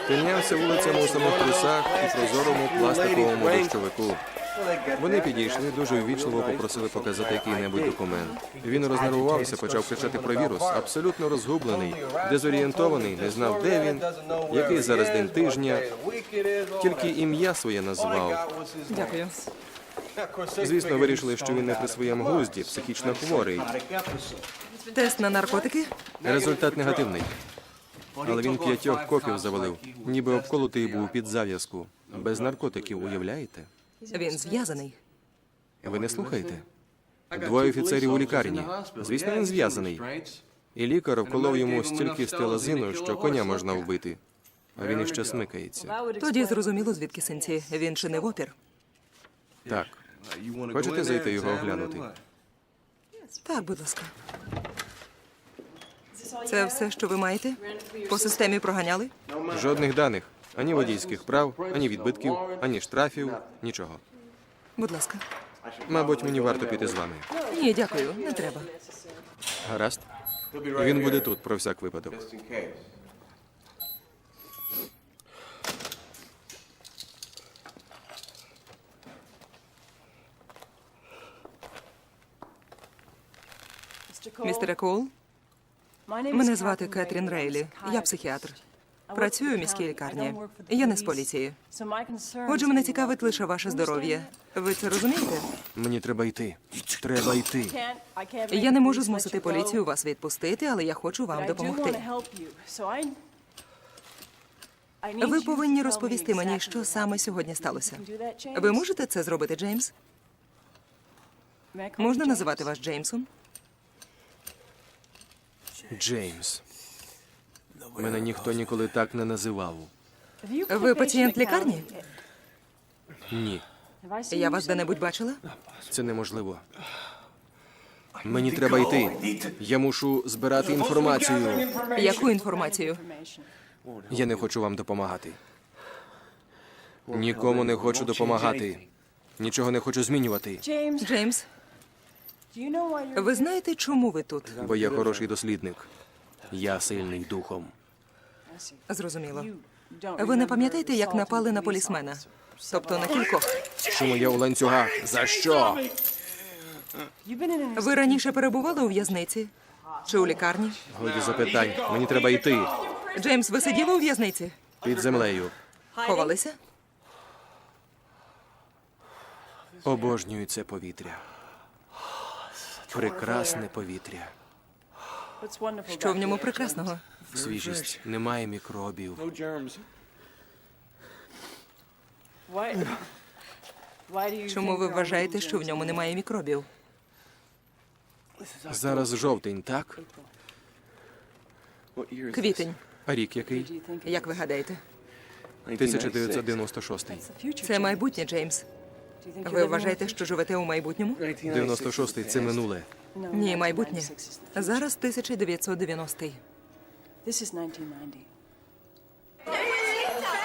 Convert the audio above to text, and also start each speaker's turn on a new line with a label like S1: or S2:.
S1: Тинявся вулицями у самих трусах і прозорому пластиковому дощовику. Вони підійшли, дуже ввічливо попросили показати який-небудь документ. Він рознервувався, почав кричати про вірус, абсолютно розгублений, дезорієнтований, не знав, де він, який зараз день тижня, тільки ім'я своє назвав.
S2: Дякую.
S1: Звісно, вирішили, що він не при своєму глузді, психічно хворий.
S2: Тест на наркотики?
S1: Результат негативний. Але він 5 копів завалив, ніби обколотий був під зав'язку. Без наркотиків, уявляєте?
S2: Він зв'язаний.
S1: Ви не слухаєте? 2 офіцерів у лікарні. Звісно, він зв'язаний. І лікар вколов йому стільки стелазину, що коня можна вбити. А він іще смикається.
S2: Тоді зрозуміло, звідки синці. Він чинив опір.
S1: Так. Хочете зайти його оглянути?
S2: Так, будь ласка. Це все, що ви маєте? По системі проганяли?
S1: Жодних даних. Ані водійських прав, ані відбитків, ані штрафів, нічого.
S2: Будь ласка.
S1: Мабуть, мені варто піти з вами.
S2: Ні, дякую, не треба.
S1: Гаразд? Він буде тут, про всяк випадок.
S2: Містере Коул, мене звати Кетрін Рейлі. Я психіатр. Працюю у міській лікарні. Я не з поліції. Отже, мене цікавить лише ваше здоров'я. Ви це розумієте?
S1: Мені треба йти. Треба йти.
S2: Я не можу змусити поліцію вас відпустити, але я хочу вам допомогти. Ви повинні розповісти мені, що саме сьогодні сталося. Ви можете це зробити, Джеймс? Можна називати вас Джеймсом?
S1: Джеймс. Мене ніхто ніколи так не називав.
S2: Ви пацієнт лікарні?
S1: Ні,
S2: Я вас де-небудь бачила?
S1: це неможливо. Мені треба йти. Я мушу збирати інформацію.
S2: Яку інформацію?
S1: Я не хочу вам допомагати. Нікому не хочу допомагати. Нічого не хочу змінювати.
S2: Джеймс, ви знаєте, чому ви тут?
S1: Бо я хороший дослідник. Я сильний духом.
S2: Зрозуміло. Ви не пам'ятаєте, як напали на полісмена? Тобто на кількох.
S1: Чому я у ланцюгах? За що?
S2: Ви раніше перебували у в'язниці? Чи у лікарні?
S1: Годі запитань. Мені треба йти.
S2: Джеймс, ви сиділи у в'язниці?
S1: Під землею.
S2: Ховалися?
S1: Обожнюю це повітря. Прекрасне повітря.
S2: Що в ньому прекрасного?
S1: Свіжість. Немає мікробів.
S2: Чому ви вважаєте, що в ньому немає мікробів?
S1: Зараз жовтень, так?
S2: Квітень.
S1: А рік який?
S2: Як ви гадаєте?
S1: 1996.
S2: Це майбутнє, Джеймс. Ви вважаєте, що живете у майбутньому?
S1: 96 – це минуле.
S2: Ні, майбутнє. Зараз 1990-й.
S3: This is 1990.